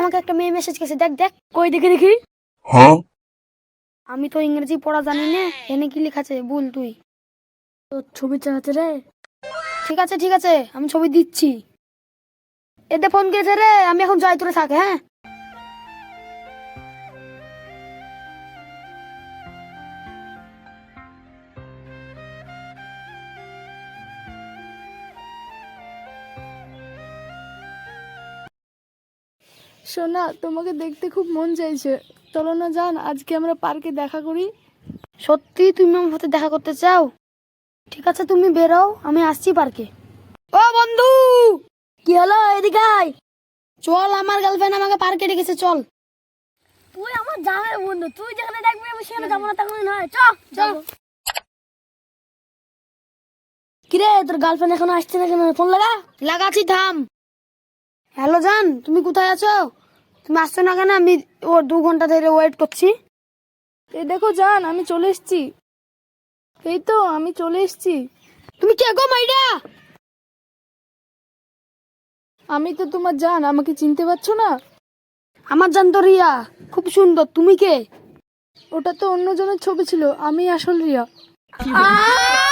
আমাকে একটা মেয়ে মেসেজ করেছে, দেখ দেখ। কই দেখি দেখি। আমি তো ইংরেজি পড়া জানি না, এনে কি লেখা আছে বল তুই। তোর ছবি চালাতে রে। ঠিক আছে ঠিক আছে, আমি ছবি দিচ্ছি। এতে ফোন করেছে রে, আমি এখন যাই, তোরে থাকে। হ্যাঁ সোনা, তোমাকে দেখতে খুব মন চাইছে, চলো না জান, আজকে আমরা পার্কে দেখা করি। সত্যি তুমি আমার সাথে দেখা করতে চাও? ঠিক আছে তুমি বেরও, আমি আসছি পার্কে। ও বন্ধু, কি হলো? এদিকে আয়। চল, আমার গার্লফ্রেন্ড আমাকে পার্কে ডেকেছে, চল। তুই আমার জানের বন্ধু, তুই যেখানে ডাকবি আমি সেখানে যাবো না, তখন নয়। চল চল। কিরে, তোর গার্লফ্রেন্ড এখনো আসছে না কেন? ফোন লাগা। লাগাচ্ছি, থাম। হ্যালো জান, তুমি কোথায় আছো? তুমি আসছো না কেন? আমি 2 ঘন্টা ধরে ওয়েট করছি। এই দেখো জান, আমি চলে এসেছি। এই তো আমি চলে এসেছি। তুমি কে গো মাইডা? আমি তো তোমার জান, আমাকে চিনতে পারছো না? আমার জান তো রিয়া, খুব সুন্দর। তুমি কে? ওটা তো অন্যজনের ছবি ছিল, আমি আসল রিয়া।